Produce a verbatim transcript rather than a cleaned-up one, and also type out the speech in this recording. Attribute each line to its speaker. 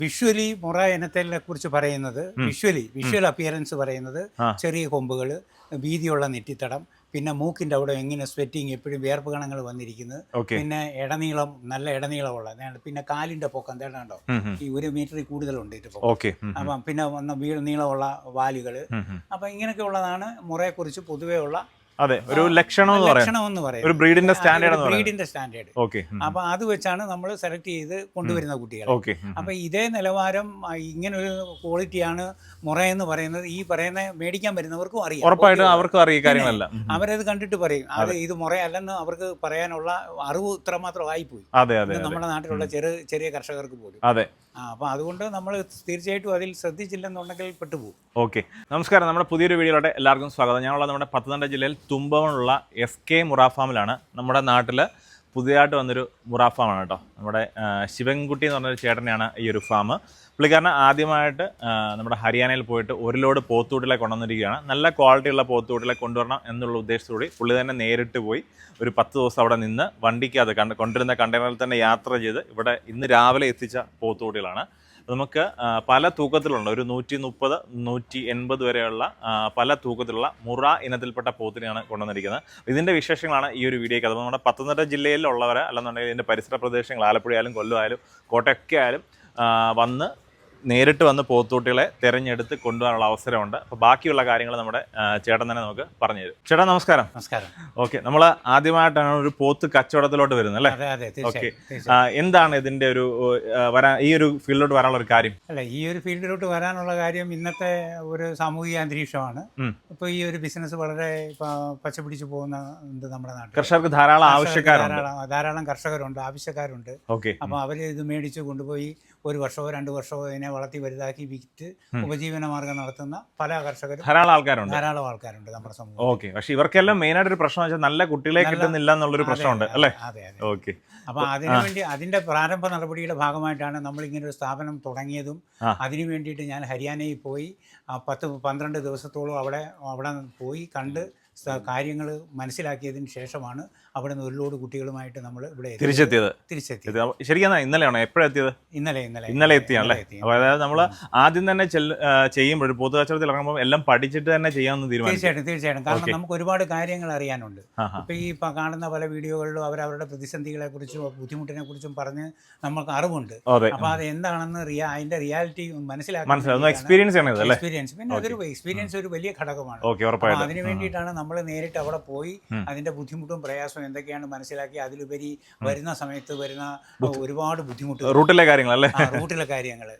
Speaker 1: Visually മുറ ഇനത്തെ കുറിച്ച് പറയുന്നത് വിഷ്വലി വിഷ്വൽ അപ്പിയറൻസ് പറയുന്നത് ചെറിയ കൊമ്പുകൾ, വീതിയുള്ള നെറ്റിത്തടം, പിന്നെ മൂക്കിൻ്റെ അവിടെ എങ്ങനെ സ്വെറ്റിങ് എപ്പോഴും വിയർപ്പ് കണങ്ങൾ വന്നിരിക്കുന്നത്, പിന്നെ ഇടനീളം നല്ല ഇടനീളമുള്ള, പിന്നെ കാലിൻ്റെ പൊക്കം തേടാണ്ടോ ഈ ഒരു മീറ്ററിൽ കൂടുതലുണ്ട് ഇത് പൊക്കം. അപ്പം പിന്നെ വന്ന വീ നീളമുള്ള വാലുകൾ. അപ്പം ഇങ്ങനെയൊക്കെ ഉള്ളതാണ് മുറയെക്കുറിച്ച് പൊതുവേ ഉള്ള
Speaker 2: അതെ ഒരു ലക്ഷണം
Speaker 1: എന്ന് പറയും,
Speaker 2: ഒരു ബ്രീഡിന്റെ സ്റ്റാൻഡേർഡ്
Speaker 1: ബ്രീഡിന്റെ സ്റ്റാൻഡേർഡ്. അപ്പൊ അത് വെച്ചാണ് നമ്മൾ സെലക്ട് ചെയ്ത് കൊണ്ടുവരുന്ന കുട്ടികൾ. അപ്പൊ ഇതേ നിലവാരം ഇങ്ങനെ ഒരു ക്വാളിറ്റിയാണ് മുറ എന്ന് പറയുന്നത് ഈ പറയുന്ന മേടിക്കാൻ വരുന്നവർക്കും അറിയാം,
Speaker 2: ഉറപ്പായിട്ടും അവർക്കും അറിയാം കാര്യങ്ങളല്ല.
Speaker 1: അവരത് കണ്ടിട്ട് പറയും അത് ഇത് മുറയല്ലെന്ന് അവർക്ക് പറയാനുള്ള അറിവ് ഇത്രമാത്രം ആയിപ്പോയി നമ്മുടെ നാട്ടിലുള്ള ചെറിയ ചെറിയ കർഷകർക്ക് പോലും.
Speaker 2: അതെ,
Speaker 1: അപ്പൊ അതുകൊണ്ട് നമ്മൾ തീർച്ചയായിട്ടും അതിൽ ശ്രദ്ധിച്ചില്ലെന്നുണ്ടെങ്കിൽ പെട്ടുപോകും.
Speaker 2: ഓക്കെ, നമസ്കാരം. നമ്മുടെ പുതിയൊരു വീഡിയോയിലോട്ട് എല്ലാവർക്കും സ്വാഗതം. ഞാനുള്ള നമ്മുടെ പത്തനംതിട്ട ജില്ലയിൽ തുമ്പവനുള്ള എസ് കെ മുറ ഫാമിലാണ്. നമ്മുടെ നാട്ടിൽ പുതിയതായിട്ട് വന്നൊരു മുറ ഫാമാണ് കേട്ടോ. നമ്മുടെ ശിവൻകുട്ടി എന്ന് പറഞ്ഞൊരു ചേട്ടനെയാണ് ഈ ഒരു ഫാം. പുള്ളിക്കാരന് ആദ്യമായിട്ട് നമ്മുടെ ഹരിയാനയിൽ പോയിട്ട് ഒരു ലോഡ് പോത്തൂട്ടിലെ കൊണ്ടുവന്നിരിക്കുകയാണ്. നല്ല ക്വാളിറ്റിയുള്ള പോത്തൂട്ടിലെ കൊണ്ടുവരണം എന്നുള്ള ഉദ്ദേശത്തോടെ പുള്ളി തന്നെ നേരിട്ട് പോയി ഒരു പത്ത് ദിവസം അവിടെ നിന്ന് വണ്ടിക്കകത്ത് കണ്ട് കൊണ്ടുവരുന്ന കണ്ടെയ്നറിൽ തന്നെ യാത്ര ചെയ്ത് ഇവിടെ ഇന്ന് രാവിലെ എത്തിച്ച പോത്തൂട്ടികളാണ്. നമുക്ക് പല തൂക്കത്തിലുള്ള ഒരു നൂറ്റി മുപ്പത് നൂറ്റി എൺപത് വരെയുള്ള പല തൂക്കത്തിലുള്ള മുറ ഇനത്തിൽപ്പെട്ട പോത്തിനെയാണ് കൊണ്ടുവന്നിരിക്കുന്നത്. ഇതിൻ്റെ വിശേഷങ്ങളാണ് ഈ ഒരു വീഡിയോയ്ക്ക്. അത് നമ്മുടെ പത്തനംതിട്ട ജില്ലയിലുള്ളവരെ അല്ലെന്നുണ്ടെങ്കിൽ ഇതിൻ്റെ പരിസര പ്രദേശങ്ങൾ ആലപ്പുഴ ആയാലും കൊല്ലം ആയാലും കോട്ടയൊക്കെ ആയാലും വന്ന് നേരിട്ട് വന്ന് പോത്തൂട്ടികളെ തിരഞ്ഞെടുത്ത് കൊണ്ടുപോകാനുള്ള അവസരമുണ്ട്. അപ്പോൾ ബാക്കിയുള്ള കാര്യങ്ങൾ നമ്മുടെ ചേട്ടൻ തന്നെ നമുക്ക് പറഞ്ഞു തരും. ചേട്ടാ നമസ്കാരം.
Speaker 1: നമസ്കാരം.
Speaker 2: ഓക്കെ, നമ്മൾ ആദ്യമായിട്ടാണ് ഒരു പോത്ത് കച്ചവടത്തിലോട്ട് വരുന്നത് അല്ലേ? ഓക്കെ, എന്താണ് ഇതിന്റെ ഒരു വരാൻ ഈ ഒരു ഫീൽഡിലോട്ട് വരാനുള്ള ഒരു കാര്യം?
Speaker 1: അല്ല, ഈ ഒരു ഫീൽഡിലോട്ട് വരാനുള്ള കാര്യം ഇന്നത്തെ ഒരു സാമൂഹിക അന്തരീക്ഷമാണ്. ഇപ്പോൾ ഈ ഒരു ബിസിനസ് വളരെ പച്ചപിടിച്ച് പോകുന്ന നമ്മുടെ നാട്ടിൽ
Speaker 2: കർഷകർക്ക് ധാരാളം ആവശ്യക്കാരുണ്ട്,
Speaker 1: ധാരാളം കർഷകരുണ്ട്, ആവശ്യക്കാരുണ്ട്.
Speaker 2: ഓക്കെ,
Speaker 1: അപ്പോൾ അവർ ഇത് മേടിച്ച് കൊണ്ടുപോയി ഒരു വർഷമോ രണ്ട് വർഷമോ ഇതിനെ വളർത്തി വലുതാക്കി വിറ്റ് ഉപജീവന മാർഗം നടത്തുന്ന പല കർഷകരും
Speaker 2: ധാരാളം ആൾക്കാരുണ്ട് ധാരാളം
Speaker 1: ആൾക്കാരുണ്ട് നമ്മുടെ സമൂഹം.
Speaker 2: ഓക്കെ, പക്ഷെ ഇവർക്കെല്ലാം മെയിൻ ആയിട്ട് ഒരു പ്രശ്നം വെച്ചാൽ നല്ല കുട്ടികളെ കിട്ടുന്നില്ല എന്നുള്ളൊരു പ്രശ്നമുണ്ട് അല്ലേ?
Speaker 1: അതെ അതെ. ഓക്കെ, അപ്പൊ അതിനുവേണ്ടി അതിന്റെ പ്രാരംഭ നടപടിയുടെ ഭാഗമായിട്ടാണ് നമ്മൾ ഇങ്ങനെ ഒരു സ്ഥാപനം തുടങ്ങിയതും. അതിനു വേണ്ടിയിട്ട് ഞാൻ ഹരിയാനയിൽ പോയി പത്ത് പന്ത്രണ്ട് ദിവസത്തോളം അവിടെ അവിടെ പോയി കണ്ട് കാര്യങ്ങൾ മനസ്സിലാക്കിയതിന് ശേഷമാണ് അവിടെ നിന്ന് ഒരു ലോഡ് കുട്ടികളുമായിട്ട് നമ്മൾ ഇവിടെ
Speaker 2: തിരിച്ചെത്തിയത്.
Speaker 1: തിരിച്ചെത്തിയത്
Speaker 2: ശരിക്കും ഇന്നലെയാണോ എപ്പോഴെത്തിയത്?
Speaker 1: ഇന്നലെ ഇന്നലെ
Speaker 2: ഇന്നലെ എത്തിയാണല്ലേ? അപ്പോൾ അതായത് നമ്മൾ ആദ്യം തന്നെ ചെയ്യുമ്പോൾ പൊതു കച്ചവടത്തിൽ ഇറങ്ങുമ്പോൾ എല്ലാം പഠിച്ചിട്ട് തന്നെ ചെയ്യാമെന്ന് തീരുമാനിച്ചു.
Speaker 1: തീർച്ചയായിട്ടും തീർച്ചയായിട്ടും കാരണം നമുക്ക് ഒരുപാട് കാര്യങ്ങൾ അറിയാനുണ്ട്. ഇപ്പൊ ഈ കാണുന്ന പല വീഡിയോകളിലും അവരവരുടെ പ്രതിസന്ധികളെ കുറിച്ചും ബുദ്ധിമുട്ടിനെ കുറിച്ചും പറഞ്ഞ് നമുക്ക് അറിവുണ്ട്. അപ്പൊ അത് എന്താണെന്ന് റിയാ അതിന്റെ റിയാലിറ്റി മനസ്സിലാക്കി
Speaker 2: എക്സ്പീരിയൻസ് ആണ്
Speaker 1: എക്സ്പീരിയൻസ് പിന്നെ അതൊരു എക്സ്പീരിയൻസ് ഒരു വലിയ ഘടകമാണ്. അതിനു വേണ്ടിയിട്ടാണ് നമ്മൾ നേരിട്ട് അവിടെ പോയി അതിന്റെ ബുദ്ധിമുട്ടും പ്രയാസവും എന്തൊക്കെയാണ് മനസ്സിലാക്കി അതിലുപരി വരുന്ന സമയത്ത് വരുന്ന ഒരുപാട് ബുദ്ധിമുട്ട്
Speaker 2: റൂട്ടിലെ കാര്യങ്ങൾ അല്ലേ?
Speaker 1: റൂട്ടിലെ കാര്യങ്ങൾ